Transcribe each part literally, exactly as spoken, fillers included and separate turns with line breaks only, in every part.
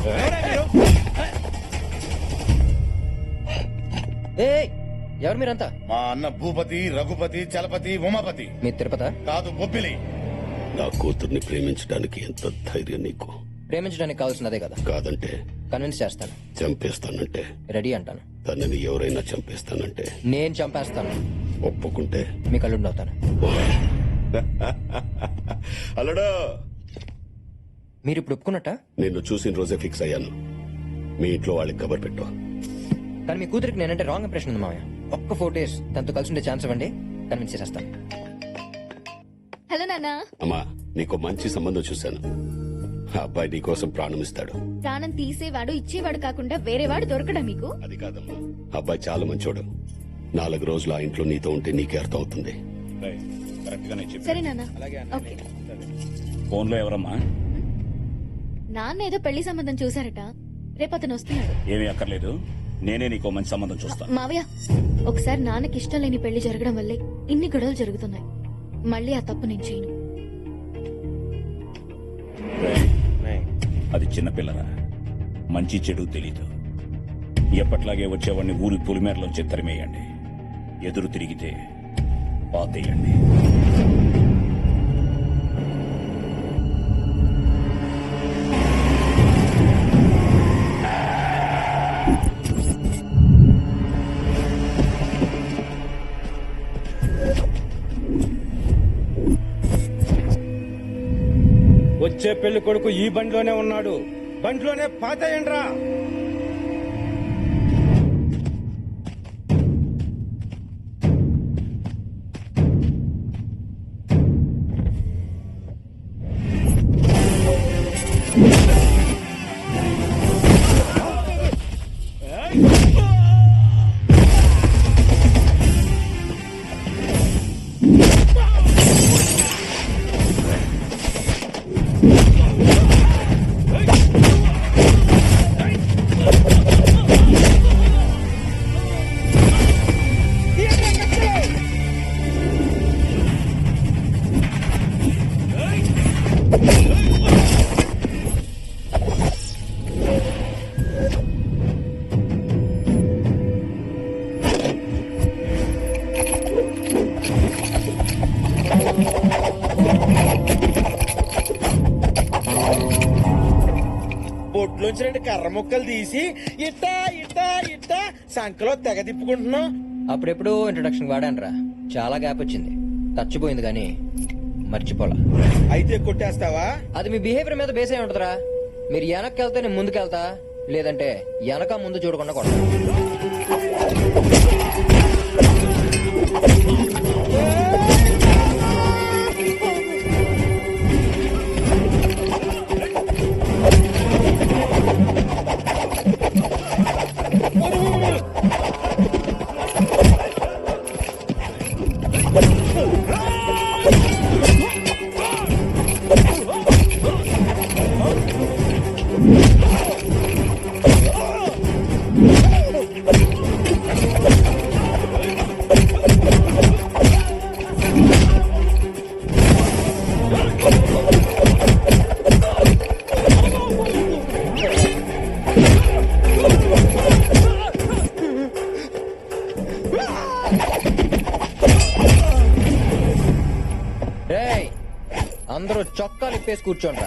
ఎవరు మీరంతా?
మా అన్న భూపతి, రఘుపతి, చలపతి, ఉమాపతి.
మీ తిరుపత?
కాదు, బొబ్బిలి.
నా కూతుర్ని ప్రేమించడానికి ఎంత ధైర్యం నీకు?
ప్రేమించడానికి కావాల్సినదే కదా.
కాదంటే
కన్విన్స్ చేస్తాను.
చంపేస్తానంటే?
రెడీ అంటాను.
తనని ఎవరైనా చంపేస్తానంటే?
నేను చంపేస్తాను.
ఒప్పుకుంటే
మీ కళ్ళుండి అవుతాను.
అలడా,
మీరు ఇప్పుడు ఒప్పుకున్నట్ట?
నిన్ను చూసిన రోజే ఫిక్స్ అయ్యాను. మీ ఇంట్లో వాళ్ళకి కబర్ పెట్టు.
కానీ మీ కూతురికి నేనంటే రాంగ్ ఇంప్రెషన్ ఉంది మామయ్య. ఒక్క ఫోర్ డేస్ తనతో కలిసి ఉండే ఛాన్స్ ఇవ్వండి, కన్విన్స్ చేసేస్తాను.
హలో నాన్న.
అమ్మా, నీకు మంచి సంబంధం చూశాను. ఆ అబ్బాయి నీ కోసం ప్రాణం ఇస్తాడు.
ప్రాణం తీసేవాడు ఇచ్చేవాడు కాకుండా వేరేవాడు దొరకడా మీకు?
అది కాదమ్మా, అబ్బాయి చాలా మంచోడు. నాలుగు రోజులు ఆ ఇంట్లో నీతో ఉంటే నీకే అర్థం అవుతుంది.
సరే నాన్న. ఓకే.
ఫోన్ లో ఎవరమ్మా?
నాన్న ఏదో పెళ్లి సంబంధం చూసారట, రేపు అతను వస్తున్నాడు.
ఏమీ అక్కర్లేదు, నేనే నీకో మంచి సంబంధం చూస్తాను.
మావయ్య, ఒకసారి నాన్నకి ఇష్టం లేని పెళ్లి జరగడం వల్లే ఇన్ని గొడవలు జరుగుతున్నాయి. మళ్ళీ ఆ తప్పు నేను చేయను.
అది చిన్నపిల్లరా, మంచి చెడు తెలీదు. ఎప్పట్లాగే వచ్చేవాడిని ఊరి పులిమేరలోంచి తరిమేయండి. ఎదురు తిరిగితే పాతేయండి.
వచ్చే పెళ్లి కొడుకు ఈ బండిలోనే ఉన్నాడు. బండిలోనే పాతేయండ్రా.
బొట్లోంచి రెండు కర్ర ముక్కలు తీసి ఇట్టా ఇట్టా ఇట్టా సంకలో తెగ తిప్పుకుంటున్నావు.
అప్పుడెప్పుడు ఇంట్రొడక్షన్ వాడానరా, చాలా గ్యాప్ వచ్చింది. చచ్చిపోయింది కానీ మర్చిపోలా.
అయితే కొట్టేస్తావా?
అది మీ బిహేవియర్ మీద బేస్ అయి ఉంటదిరా. మీరు వెనక్కి వెళ్తే నేను ముందుకెళ్తా, లేదంటే వెనక ముందు చూడకుండా కొడతా. అందరూ చొక్కాలు ఇప్పేసి కూర్చోండ్రా.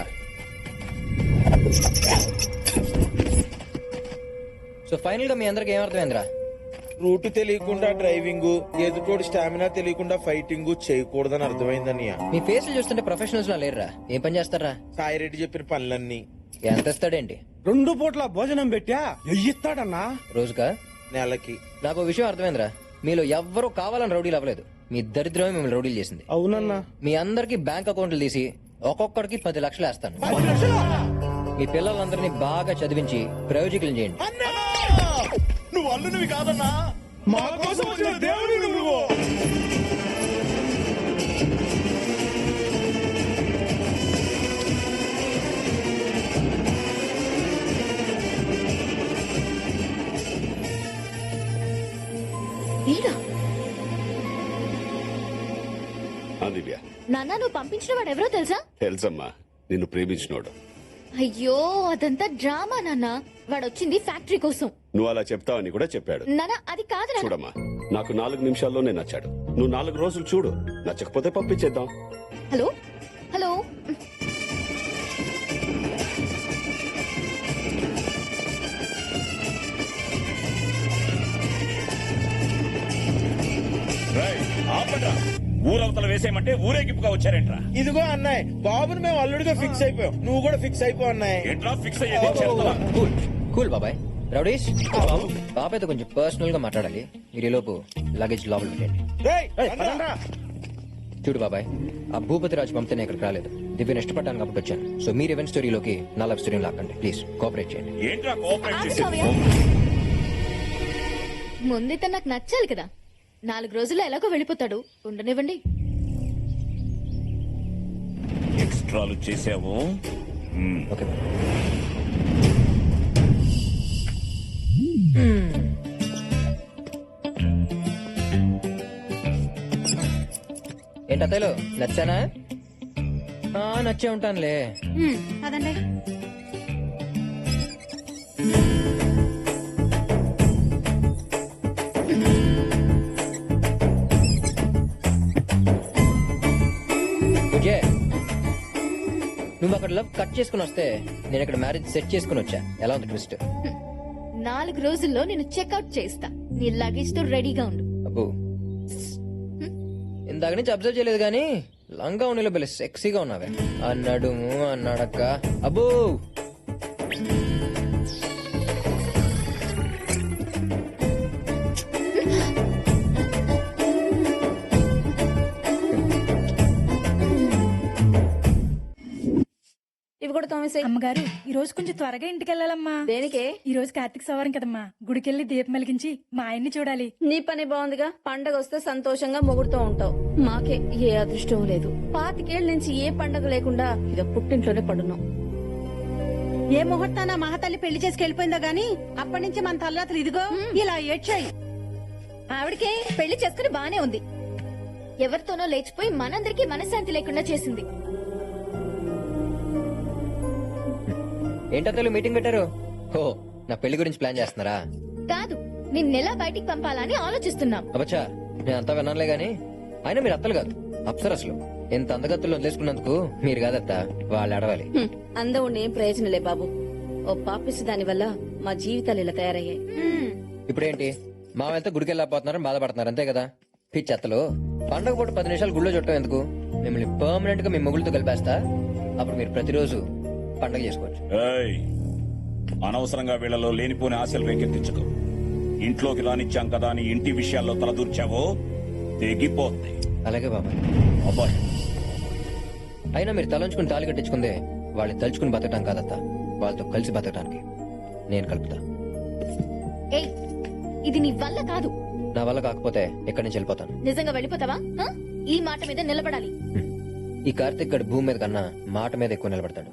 సో ఫైనల్ గా మీ అందరికి ఏమర్థమైందిరా?
రూట్ తెలియకుండా డ్రైవింగ్, ఎదుటోడు స్టామినా తెలియకుండా ఫైటింగ్ చేయకూడదని అర్థమైందన్నయ్య.
మీ ఫేస్ చూస్తుంటే ప్రొఫెషనల్స్ లా లేరురా. ఏం పని చేస్తారా?
సాయిరెడ్డి చెప్పిన పనులన్నీ.
ఎంత ఇస్తాడేంటి?
రెండు పూట్ల భోజనం పెట్టా ఎయ్యిస్తాడన్నా
రోజుకా?
నెలకి.
నాకు ఓ విషయం అర్థమైందిరా. మీలో ఎవ్వరూ కావాలని రౌడీలు అవ్వలేదు. మీ దరిద్రమే మిమ్మల్ని రౌడీలు చేసింది.
అవునన్నా.
మీ అందరికి బ్యాంక్ అకౌంట్లు తీసి ఒక్కొక్కడికి పది లక్షలు వేస్తాను. మీ పిల్లలందరినీ బాగా చదివించి ప్రయోజకులు చేయండి.
నువ్వు అల్లునివి కాదన్నా,
మా కోసం వచ్చిన దేవుడు నువ్వు.
దివ్య,
నాన్న, నువ్వు పంపించిన వాడు ఎవరో తెలుసా?
తెలుసమ్మా, నిన్ను ప్రేమించినోడు.
అయ్యో అదంతా డ్రామా నాన్న. వాడు వచ్చింది ఫ్యాక్టరీ కోసం.
నువ్వు అలా చెప్తావని కూడా చెప్పాడు.
నాన్న అది కాదు నాన్న.
చూడమ్మా, నాకు నాలుగు నిమిషాల్లోనే నచ్చాడు. నువ్వు నాలుగు రోజులు చూడు, నచ్చకపోతే పంపించేద్దాం.
హలో హలో
రేయ్, ఆపండ్రా. ఊరవతల వేసేయమంటే ఊరేగింపుగా వచ్చారేంట్రా?
ఇదిగో అన్నాయ్, బాబుని మేము అల్లుడిగా ఫిక్స్ అయిపోయాం. నువ్వు కూడా ఫిక్స్ అయిపో అన్నాయ్.
ఏంట్రా ఫిక్స్ అయ్యేది? చెప్తావా?
కూల్ కూల్ బాబాయ్. రౌడీష్ బాబాయ్తో కొంచెం పర్సనల్ గా మాట్లాడాలి. మీరు ఈ లోపు లగేజ్ లోపల పెట్టండి.
రేయ్, రండ్రా.
చూడు బాబాయ్, ఆ భూపతి రాజు పంపితే నేను ఇక్కడికి రాలేదు. దివ్యను ఇష్టపడ్డాను కాబట్టి వచ్చాను. సో మీరు ఈవెంట్ స్టోరీలోకి నా లవ్ స్టోరీని లాక్కండి ప్లీజ్. కోఆపరేట్ చేయండి.
ఏంట్రా కోఆపరేట్
ఆగు,
చేసేది?
కావ్య. ముందైతే నాకు నచ్చాలి కదా. నాలుగు రోజుల్లో ఎలాగో వెళ్ళిపోతాడు, ఉండనివ్వండి.
ఎక్స్ట్రాలు చేసావు. మ్మ్.
Okay bye. ఏంటి అత్తయ్యలు నచ్చానా? ఆ, నచ్చే ఉంటానులే.
అదండి.
విజయ్, నువ్వు అక్కడ లవ్ కట్ చేసుకుని వస్తే నేను ఇక్కడ మ్యారేజ్ సెట్ చేసుకుని వచ్చా. ఎలా ఉంది ట్విస్ట్?
నాలుగు రోజుల్లో నేను చెక్అవుట్ చేస్తా. నీ లగేజ్ తో రెడీగా ఉండు.
అబ్బో, ఇందాక నుంచి అబ్జర్వ్ చేయలేదు కానీ లంగా ఉన్నలో బెల్ల సెక్సీగా ఉన్నావే. అన్నాడు అన్నాడక్క. అబ్బో,
ఇవి కూడా తోమేసే.
అమ్మగారు ఈ రోజు కొంచెం త్వరగా ఇంటికి వెళ్ళాలమ్మా.
దేనికే?
ఈ రోజు కార్తీక సవారం కదమ్మా, గుడికెళ్ళి దీపం వెలిగించి మా ఆయన్ని చూడాలి.
నీ పని బాగుందిగా. పండగ వస్తే సంతోషంగా మొగుడుతూ ఉంటావు. మాకే ఏ అదృష్టం లేదు. పాతికేళ్ల నుంచి ఏ పండగ లేకుండా ఇక పుట్టింట్లోనే పడున్నాం.
ఏ ముహూర్తాన మహాతల్లి పెళ్లి చేసుకు వెళ్ళిపోయిందో గాని అప్పటి నుంచి మన తల్లాతలు ఇదిగో ఇలా ఏడ్చాయి.
ఆవిడకే పెళ్లి చేసుకుని బానే ఉంది. ఎవరితోనో లేచిపోయి మనందరికీ మనశ్శాంతి లేకుండా చేసింది.
ఏంటత్తలు మీటింగ్ పెట్టారు? ఓ, నా పెళ్లి గురించి ప్లాన్ చేస్తున్నారా?
కాదు, నిన్నెలా బయటికి పంపాలని ఆలోచిస్తున్నాం.
అబ్బచ్చా, నేను అంతా విన్నానులే గాని అయినా మీరు అత్తలు కాదు, అప్సరసలు. ఎంత అందగత్తులు వదిలేసుకున్నందుకు మీరు కాదత్త, వాళ్ళు అడవాలి.
హ్మ్. అందం ఉండి ఏం ప్రయోజనలే బాబు. ఓ పాపిసి దాని వల్ల మా జీవితాలు ఇలా తయారయ్యాయి.
ఇప్పుడేంటి మా వెళ్తే గుడికి వెళ్ళకపోతున్నారని బాధపడుతున్నారు అంతే కదా? పిచ్చత్తలు, పండగ పూట పది నిమిషాలు గుళ్ళో చుట్టం ఎందుకు? మిమ్మల్ని పర్మనెంట్ గా మీ మొగుళ్ళతో కలిపేస్తా. అప్పుడు మీరు ప్రతిరోజు పండగ చేసుకోవచ్చు.
ఏయ్, అనవసరంగా వీళ్ళలో లేనిపోని ఆశలు రేకెత్తించకు. ఇంట్లోకి రానిచ్చాం కదా అని ఇంటి విషయాల్లో తలదూర్చావో తెగిపోద్ది.
అలాగే బాబాయ్.
అబ్బాయి,
అయినా మీరు తలంచుకుని తాళి కట్టించుకుందే వాళ్ళని తలుచుకుని బతకటం కాదత్త, వాళ్ళతో కలిసి బతకటానికి నేను కలుపుతా.
ఏయ్, ఇది నీ వల్ల కాదు.
నా వల్ల కాకపోతే ఎక్కడి నుంచి వెళ్ళిపోతాను.
నిజంగా వెళ్ళిపోతావా? ఆ? ఈ మాట మీద నిలబడాలి.
ఈ కార్తిక్ గడు భూమి మీద కన్నా మాట మీద ఎక్కువ నిలబడతాడు.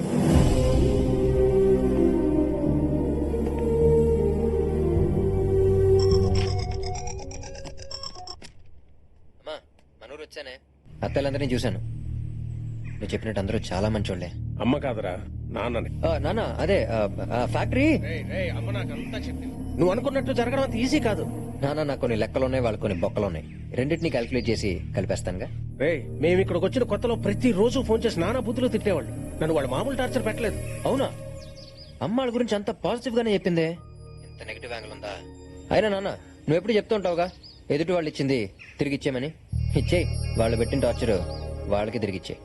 అమ్మా, మనూరు వచ్చానే. అత్తలందరినీ చూశాను. నువ్వు చెప్పినట్టు అందరూ చాలా మంచోళ్లే.
అమ్మ కాదురా, నాన్నని.
ఆ, నాన్న అదే ఆ, ఆ, ఫ్యాక్టరీ.
అమ్మ నాకంతా చెప్పింది. నువ్వు అనుకున్నట్టు జరగడం అంత ఈజీ కాదు.
నాన్న నాకు కొన్ని లెక్కలున్నాయి, వాళ్ళకి కొన్ని బొక్కలున్నాయి. రెండింటినీ క్యాల్కులేట్ చేసి కలిపేస్తానుగా.
రే, మేము ఇక్కడికి వచ్చిన కొత్తలో ప్రతి రోజు ఫోన్ చేసి నానా బుద్ధులు తిట్టేవాళ్ళు. నన్ను వాళ్ళు మామూలు టార్చర్ పెట్టలేదు.
అవునా? అమ్మ వాళ్ళ గురించి అంత పాజిటివ్ గానే చెప్పిందే. ఇంత నెగిటివ్ యాంగిల్ ఉందా? అయినా నాన్న నువ్వు ఎప్పుడు చెప్తూ ఉంటావుగా, ఎదుటి వాళ్ళు ఇచ్చింది తిరిగి ఇచ్చేయమని. ఇచ్చేయి. వాళ్ళు పెట్టిన టార్చర్ వాళ్ళకి తిరిగి ఇచ్చేయి.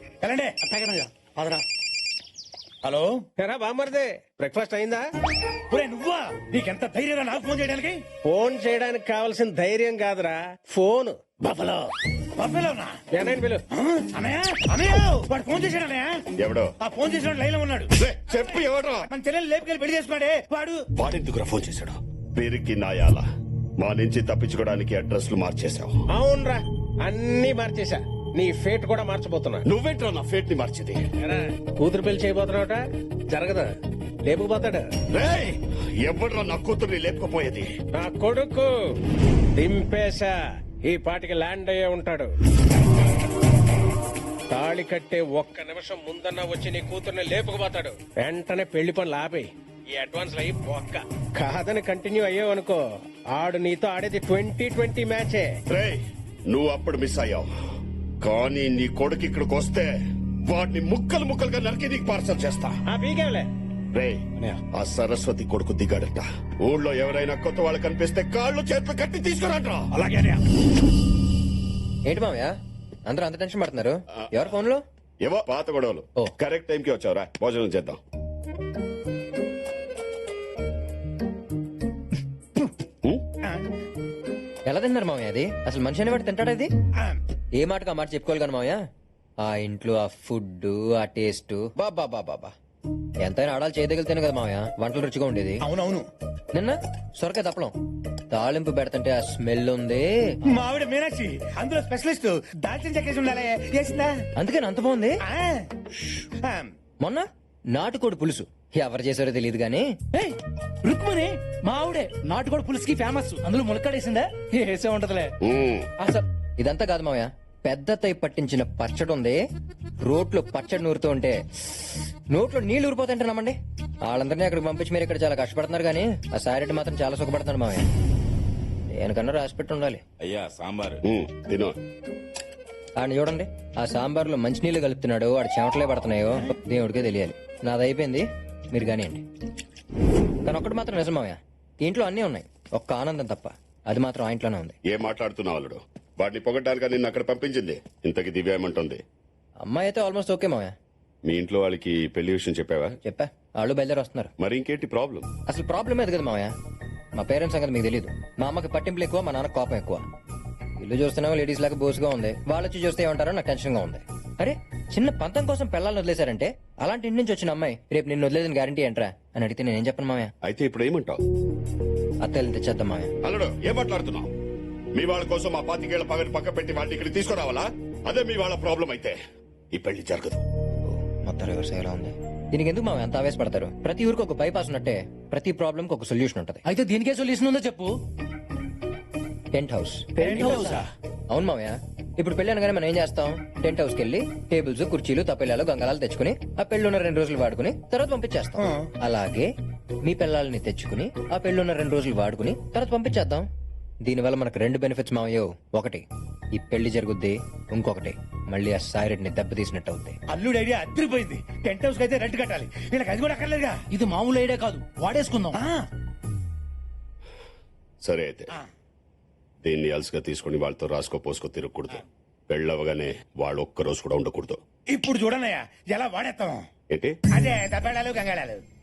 హలో,
ఎరా బామ్మర్దే, బ్రేక్ఫాస్ట్ అయిందా?
ఒరే నువ్వా? నీకెంత ధైర్యం నాకు ఫోన్ చేయడానికి?
ఫోన్ చేయడానికి కావాల్సిన ధైర్యం కాదురా, ఫోన్.
బఫలో బఫలోనా?
ఏనాయన పిలు.
అనయ్య అనయ్య, వాడు ఫోన్ చేశాడు అన్నయ్య.
ఎవడో?
ఆ ఫోన్ చేసిన లైన్ లో ఉన్నాడు.
చెప్పు, ఎవడో?
మన చెల్లెలు లేపుకెళ్ళి పెళ్లి చేసుకున్నాడే వాడు.
వాడెందుకురా ఫోన్ చేశాడు? పేరుకి నాయాల మా నుంచి తప్పించుకోవడానికి అడ్రస్లు మార్చేశావు.
అవునరా, అన్ని మార్చేశా. నీ ఫేట్ కూడా మార్చబోతున్నా.
నువ్వేంట్రా నా ఫేట్ ని మార్చింది?
ఎరా, కూతురు పెళ్లి చేయబోతున్నావుట, జరగదా? లేపుకుపోతాడు.
రేయ్, ఎవడ్రా నా కూతుర్ని లేపుకుపోయేది?
నా కొడుకు దింపేశా. ఈ పాటికి ల్యాండ్ అయ్యే ఉంటాడు. తాళి కట్టే ఒక్క నిమిషం ముందన్న వచ్చి నీ కూతుర్ని లేపుకుపోతాడు వెంటనే పెళ్లి పనులు ఆపేయి ఈ అడ్వాన్స్ అయ్యి ఒక్క కాదని కంటిన్యూ అయ్యావనుకో ఆడు నీతో ఆడేది ట్వంటీ ట్వంటీ మ్యాచే.
రే నువ్వు అప్పుడు మిస్ అయ్యావు, కానీ నీ కొడుకు ఇక్కడికి వస్తే వాడిని ముక్కలు ముక్కలుగా నరికి నీకు పార్సల్ చేస్తా.
ఆ పీకేవలే
రే ఆ సరస్వతి కొడుకు దిగాడట. ఊళ్ళో ఎవరైనా కొత్త వాళ్ళు కనిపిస్తే కాళ్ళు చేతులు కట్టి తీసుకురాట్రా.
అలాగే
ఏంటి మామయ్య అందరూ అంత టెన్షన్ పడుతున్నారు? ఎవరు ఫోన్ లో?
ఏవో పాత గొడవలు.
ఓ.
కరెక్ట్ టైంకి వచ్చావురా, భోజనం చేద్దాం.
ఎలా తిన్నారు మామయ్య? అది అసలు మనిషి అనేవాడు తింటాడా? ఇది ఏ మాటకు ఆ మాట చెప్పుకోవాలి కానీ మామయ్య, ఆ ఇంట్లో ఆ ఫుడ్ ఆ టేస్ట్ బాబా బాబా బాబా ఎంతైనా ఆడాలి చేయదగిలితేనే కదా మామయ్య వంటలు రుచిగా ఉండేది.
అవునవును.
నిన్న సొరకాయ తప్పలం తాలింపు పెడతంటే ఆ స్మెల్ ఉంది.
మా ఆవిడ మీనాక్షి అందులో స్పెషలిస్ట్. దాల్చిన చెక్కేసి ఉండాలి, చేసిందా?
అందుకని అంత బాగుంది.
ఆ. ఆ.
మొన్న నాటుకోడి పులుసు ఎవరు చేశారో తెలియదు గానీ
రుక్మని మా ఆవిడే నాటుకోడి పులుసుకి ఫేమస్. అందులో ములక్కాడేసిందా? వేసే ఉంటదిలే.
ఉమ్.
అసలు ఇదంతా కాదు మామయ్య, పెద్ద తై పట్టించిన పచ్చడి ఉంది. రోట్లో పచ్చడి నూరుతూ ఉంటే నోట్లో నీళ్లు ఊరిపోతుంటే నమ్మండి. వాళ్ళందరినీ అక్కడికి పంపించి మీరు ఇక్కడ చాలా కష్టపడుతున్నారు కానీ ఆ సారెడ్డి మాత్రం చాలా సుఖపడుతున్నాడు మామయ్య. దేనికన్నా రాసి పెట్టి ఉండాలి.
అయ్యా సాంబార్.
ఉమ్, తిను.
ఆయన చూడండి ఆ సాంబార్లో మంచినీళ్లు కలుపుతున్నాడు, వాడు చెమటలే పడుతున్నాయో దేవుడికే తెలియాలి. నాది అయిపోయింది, మీరు కానివ్వండి. కానీ ఒక్కటి మాత్రం నిజం మామయ్య, ఈ ఇంట్లో అన్నీ ఉన్నాయి, ఒక్క ఆనందం తప్ప. అది మాత్రం ఆ ఇంట్లోనే ఉంది.
ఏం మాట్లాడుతున్నావు అల్లుడు? వాడిని పొగడ్డానికి నిన్ను అక్కడ పంపించింది. ఇంతకి దివ్య ఏమంటుంది?
అమ్మాయి అయితే ఆల్మోస్ట్ ఓకే మామయ్య.
మీ ఇంట్లో వాళ్ళకి పెళ్లి విషయం చెప్పావా?
చెప్పా, వాళ్ళు బయలుదేరి వస్తున్నారు.
మరి ఇంకేంటి ప్రాబ్లం?
అసలు ప్రాబ్లం ఏది కదా మామయ్య, మా పేరెంట్స్ సంగతి మీకు తెలియదు. మా అమ్మకి పట్టింపులు ఎక్కువ, మా నాన్న కోపం ఎక్కువ. ఇల్లు చూస్తున్నావు లేడీస్ లాగా బోసుగా ఉంది, వాళ్ళు వచ్చి చూస్తే ఏమంటారో నాకు టెన్షన్ గా ఉంది. అరే చిన్న పంతం కోసం పిల్లల్ని వదిలేశారంటే అలాంటి ఇంటి నుంచి వచ్చిన అమ్మాయి రేపు నిన్ను వదిలేదని గ్యారంటీ ఏంట్రా అని అడిగితే నేనేం చెప్పను మామయ్య?
అయితే ఇప్పుడు ఏమంటావు?
అత్తయ్యలు తెచ్చేద్దాం మామయ్య.
అల్లుడు ఏం మాట్లాడుతున్నావు? మీ వాళ్ళ కోసం మా పాతికేళ్ల పగని పక్క పెట్టి వాళ్ళని ఇక్కడికి తీసుకురావాలా? అదే మీ వాళ్ళ ప్రాబ్లం అయితే ఈ పెళ్లి జరగదు.
మొత్తం రివర్స్ అయ్యేలా ఉంది. దీనికి ఎందుకు మామయ్య అంత ఆవేశపడతారు? ప్రతి ఊరికి ఒక బైపాస్ ఉన్నట్టే ప్రతి ప్రాబ్లం కి ఒక సొల్యూషన్ ఉంటది.
అయితే దీనికే సొల్యూషన్ ఉందో చెప్పు.
Tent house.
టెంట్ హౌసా?
అవును మామయ్య. ఇప్పుడు పెళ్లి అనగానే మనం ఏం చేస్తాం? టెంట్ హౌస్ కి వెళ్ళి టేబుల్స్ కుర్చీలు తప్పెళ్ళాలు గంగళాలు తెచ్చుకుని ఆ పెళ్లి ఉన్న రెండు రోజులు వాడుకుని తర్వాత పంపించేస్తాం. అలాగే మీ పిల్లల్ని తెచ్చుకుని ఆ పెళ్లి ఉన్న రెండు రోజులు వాడుకుని తర్వాత పంపించేద్దాం. దీనివల్ల మనకు రెండు బెనిఫిట్స్ మామయ్యో. ఒకటి ఈ పెళ్లి జరుగుద్ది, ఇంకొకటి మళ్ళీ ఆ సాయిరెడ్డిని దెబ్బతీసినట్టు అవుద్ది.
అల్లుడు ఐడియా అద్దరిపోయింది. టెంట్ హౌస్ అయితే రెంట్ కట్టాలి, వీళ్ళకి అది కూడా అక్కర్లేదుగా.
ఇది మామూలు ఐడియా కాదు, వాడేసుకుందాం.
ఆ.
సరే అయితే దీన్ని అలసిగా తీసుకుని వాళ్ళతో రాసుకో పోసుకో తిరగకూడదు. పెళ్ళవగానే వాళ్ళు ఒక్క రోజు కూడా ఉండకూడదు.
ఇప్పుడు చూడనయ్యా ఎలా వాడేస్తాం.
ఏంటి?
అదే దబ్బేళాలు గంగాళాలు.